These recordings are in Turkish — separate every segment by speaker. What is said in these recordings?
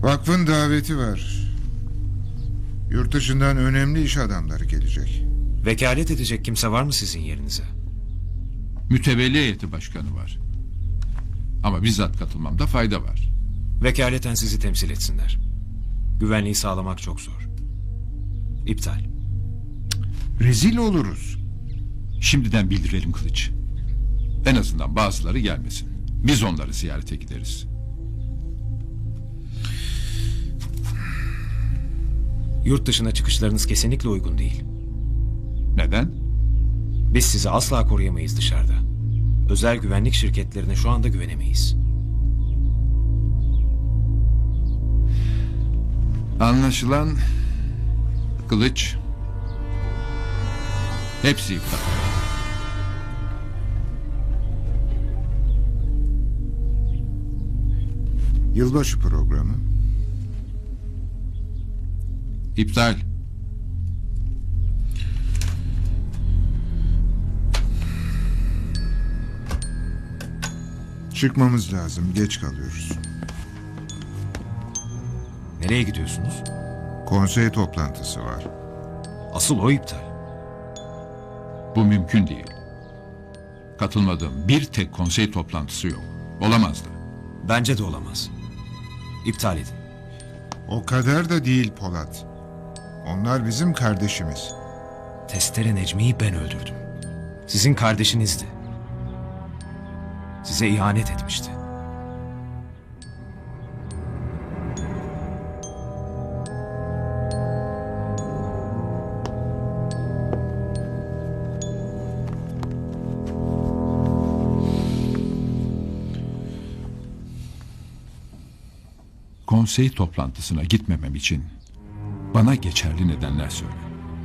Speaker 1: Vakfın daveti var. Yurt dışından önemli iş adamları gelecek.
Speaker 2: Vekalet edecek kimse var mı sizin yerinize?
Speaker 3: Mütevelli heyeti başkanı var. Ama bizzat katılmamda fayda var.
Speaker 2: Vekaleten sizi temsil etsinler. Güvenliği sağlamak çok zor. İptal.
Speaker 1: Rezil oluruz.
Speaker 3: Şimdiden bildirelim Kılıç. En azından bazıları gelmesin. Biz onları ziyarete gideriz.
Speaker 2: Yurt dışına çıkışlarınız kesinlikle uygun değil.
Speaker 3: Neden?
Speaker 2: Biz sizi asla koruyamayız dışarıda. Özel güvenlik şirketlerine şu anda güvenemeyiz.
Speaker 3: Anlaşılan Kılıç hepsi iptal.
Speaker 1: Yılbaşı programı.
Speaker 3: İptal.
Speaker 1: Çıkmamız lazım. Geç kalıyoruz.
Speaker 2: Nereye gidiyorsunuz?
Speaker 1: Konsey toplantısı var.
Speaker 2: Asıl o iptal.
Speaker 3: Bu mümkün değil. Katılmadığım bir tek konsey toplantısı yok. Olamaz da.
Speaker 2: Bence de olamaz. İptal edin.
Speaker 1: O kadar da değil Polat. Onlar bizim kardeşimiz.
Speaker 2: Testere Necmi'yi ben öldürdüm. Sizin kardeşinizdi. Size ihanet etmişti.
Speaker 3: Konsey toplantısına gitmemem için bana geçerli nedenler söyle.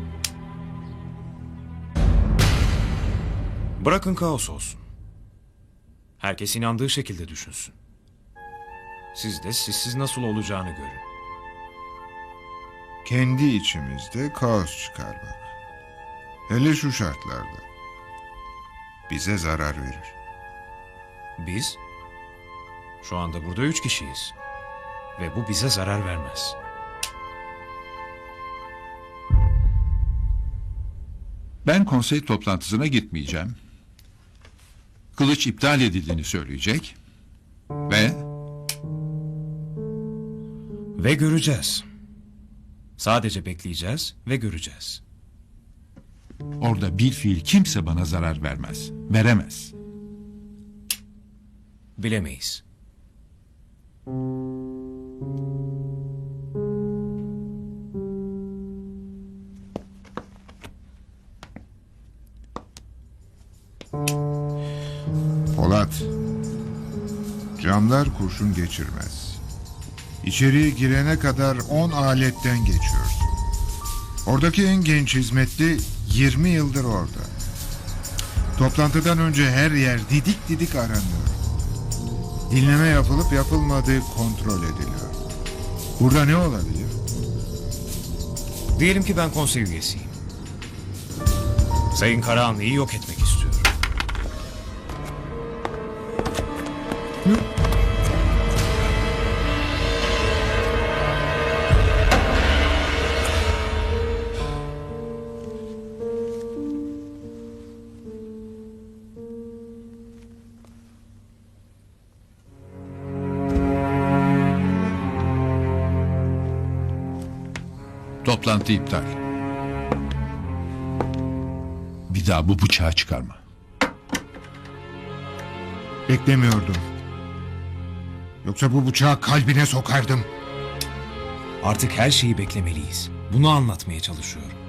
Speaker 2: Bırakın kaos olsun. Herkes inandığı şekilde düşünsün. Siz de sizsiz nasıl olacağını görün.
Speaker 1: Kendi içimizde kaos çıkar bak. Hele şu şartlarda. Bize zarar verir.
Speaker 2: Biz şu anda burada 3 kişiyiz. Ve bu bize zarar vermez.
Speaker 3: Ben konsey toplantısına gitmeyeceğim. Kılıç iptal edildiğini söyleyecek.
Speaker 2: Ve göreceğiz. Sadece bekleyeceğiz ve göreceğiz.
Speaker 3: Orada bilfiil kimse bana zarar vermez. Veremez.
Speaker 2: Bilemeyiz.
Speaker 1: Polat. Camlar kurşun geçirmez. İçeriye girene kadar 10 aletten geçiyorsun. Oradaki en genç hizmetli 20 yıldır orada. Toplantıdan önce her yer didik didik aranıyor. Dinleme yapılıp yapılmadığı kontrol ediliyor. Burada ne olabilir?
Speaker 2: Diyelim ki ben konsey üyesiyim. Sayın Karahanlı'yı yok etmek istiyorum.
Speaker 3: Toplantı iptal. Bir daha bu bıçağı çıkarma.
Speaker 1: Beklemiyordum. Yoksa bu bıçağı kalbine sokardım.
Speaker 2: Artık her şeyi beklemeliyiz. Bunu anlatmaya çalışıyorum.